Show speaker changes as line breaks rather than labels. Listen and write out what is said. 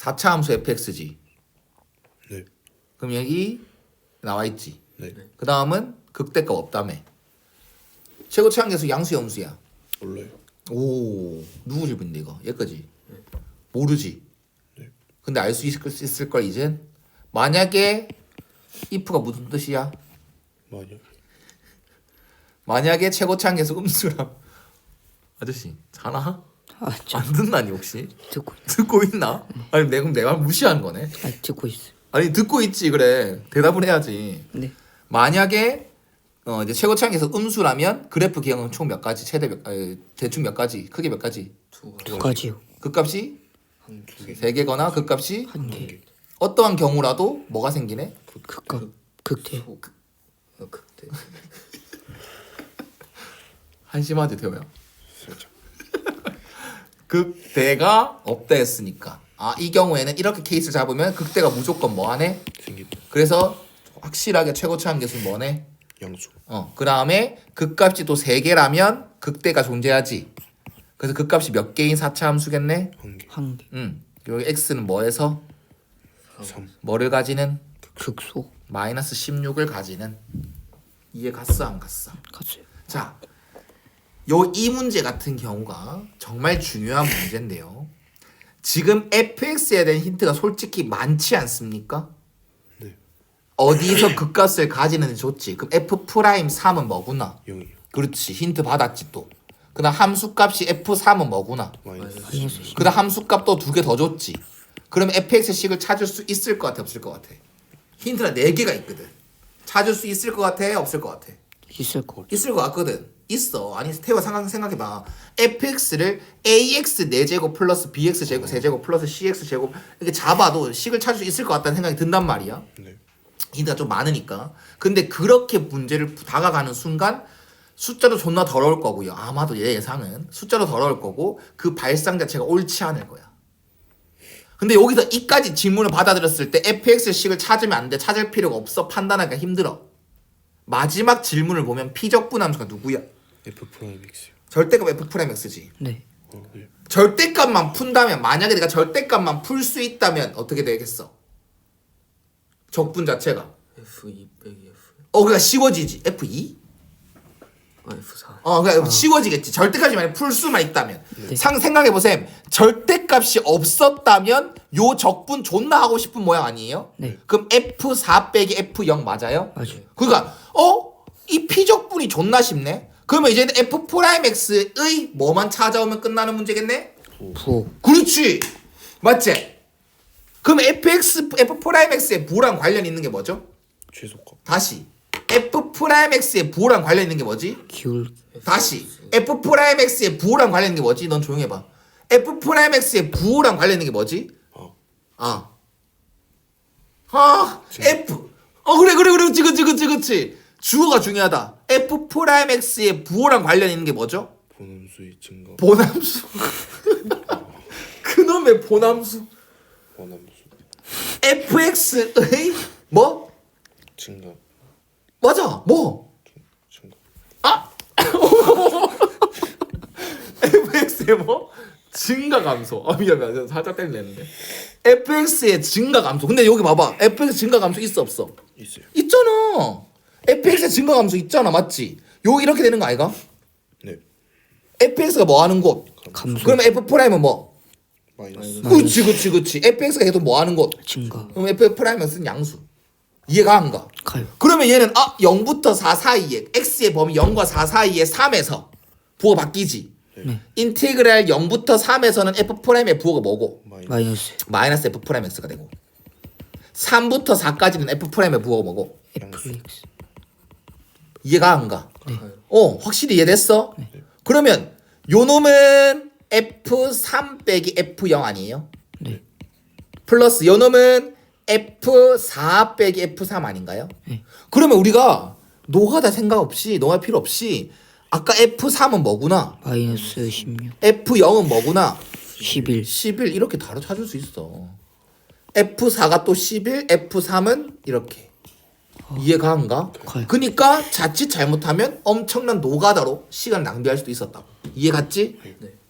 4차 함수 fx지.
네.
그럼 여기 나와 있지.
네.
그 다음은 극대값 없다며. 최고 최한계수 양수야 음수야?
몰라요.
오, 누구 질문인데 이거? 얘까지 모르지.
네.
근데 알 수 있을 걸 이젠. 만약에 if가 무슨 뜻이야? 만약에 최고 최한계수 음수랑 아저씨 자나? 안 듣나니 혹시? 듣고 있나? 아니 내가 내 말 무시한 거네.
듣고 있어.
아니 듣고 있지 그래. 대답을 해야지.
네.
만약에 이제 최고 최한계수 음수라면 그래프 기형은 총 몇 가지? 최대 대충 몇 가지? 크게 몇 가지?
두 가지요.
극값이
두 개.
3개거나 극값이
한 개.
어떠한 경우라도 뭐가 생기네?
극값. 극대.
극대.
한심하지 태호야.
살짝.
극대가 없다 했으니까 이 경우에는 이렇게 케이스 잡으면 극대가 무조건 뭐하네?
생긴다.
그래서 확실하게 최고 최한계수는 뭐네?
양수.
그 다음에 극값이 또 3개라면 극대가 존재하지. 그래서 극값이 몇 개인 4차 함수겠네?
한 개.
한 개.
여기 x는 뭐에서?
3.
뭐를 가지는?
극소.
마이너스 16을 가지는. 이해 갔어 안 갔어?
갔어요.
자, 이 문제 같은 경우가 정말 중요한 문제인데요. 지금 fx에 대한 힌트가 솔직히 많지 않습니까?
네.
어디서 극값을 가지는지 줬지. 그럼 f'3은 뭐구나?
0이요.
그렇지. 힌트 받았지 또. 그다음 함수값이 f3은 뭐구나?
마이너스.
마이너스
그다음 함수값 또 2개 더 줬지. 그럼 fx식을 찾을 수 있을 것 같아, 없을 것 같아? 힌트가 4개가 있거든. 찾을 수 있을 것 같아, 없을 것 같아?
있을 거.
있을 것 같거든. 있어. 아니 태호 생각해봐. fx를 ax 4제곱 플러스 bx 제곱 3제곱 플러스 cx 제곱 이렇게 잡아도 식을 찾을 수 있을 것 같다는 생각이 든단 말이야.
네.
힌트가 좀 많으니까. 근데 그렇게 문제를 다가가는 순간 숫자도 존나 더러울 거고요. 아마도 얘 예상은 숫자도 더러울 거고 그 발상 자체가 옳지 않을 거야. 근데 여기서 이까지 질문을 받아들였을 때 fx식을 찾으면 안 돼. 찾을 필요가 없어. 판단하기가 힘들어. 마지막 질문을 보면 피적분 함수가 누구야?
F 프라임 X요.
절대값 f'(x지.
네.
네.
절대값만 푼다면 만약에 내가 절대값만 풀 수 있다면 어떻게 되겠어? 적분 자체가
F2 빼기 F.
그러니까 쉬워지지. f2?
F4.
그러니까 쉬워지겠지. 절대값이 만약 풀 수만 있다면.
네.
생각해보셈. 절대값이 없었다면 요 적분 존나 하고 싶은 모양 아니에요?
네.
그럼 f4 빼기 f0 맞아요?
맞아요.
그러니까 이 피적분이 존나 쉽네. 그러면 이제는 f'(x의 뭐만 찾아오면 끝나는 문제겠네?
부호.
그렇지. 맞지? 그럼 f'(x의 부호랑 관련 있는 게 뭐죠?
최소값.
다시 f'(x의 부호랑 관련 있는 게 뭐지?
기울.
다시 f'(x의 부호랑 관련 있는 게 뭐지? 넌 조용히 해봐. f'(x의 부호랑 관련 있는 게 뭐지? f. 그래 그렇지. 주어가 중요하다. f'(x의 부호랑 관련 있는 게 뭐죠?
본함수의 증가.
본함수. 그놈의 본함수.
원함수.
fx의 뭐?
증가.
맞아. 뭐?
증가.
fx의 뭐? 증가 감소. 미안. 살짝 땡겼는데. fx의 증가 감소. 근데 여기 봐봐. fx 증가 감소 있어 없어?
있어요.
있잖아. fx의 증가 감소 있잖아. 맞지? 요 이렇게 되는 거 아이가?
네.
fx가 뭐 하는 곳?
감소.
그러면 f'은 뭐?
마이너스.
그렇지. fx가 계속 뭐 하는 곳?
증가.
그럼 f'은 쓴 양수. 이해가 안 가?
가요.
그러면 얘는 0부터 4 사이에 x의 범위 0과 4 사이에 3에서 부호가 바뀌지.
네.
인테그랄 0부터 3에서는 f'의 부호가 뭐고?
마이너스.
마이너스 f'x가 되고 3부터 4까지는 f'의 부호가 뭐고?
fx.
이해가 안 가?
네.
확실히 이해됐어? 그러면 요 놈은 f3 빼기 f0 아니에요?
네.
플러스 요 놈은 f4 빼기 f3 아닌가요?
네.
그러면 우리가 노가다 생각 없이 노할 필요 없이 아까 f3은 뭐구나?
마이너스 16.
f0은 뭐구나?
11.
11 이렇게 바로 찾을 수 있어. F4가 또 11, F3은 이렇게. 이해가 안 가?
가요.
그러니까 자칫 잘못하면 엄청난 노가다로 시간 낭비할 수도 있었다. 이해 갔지?
네.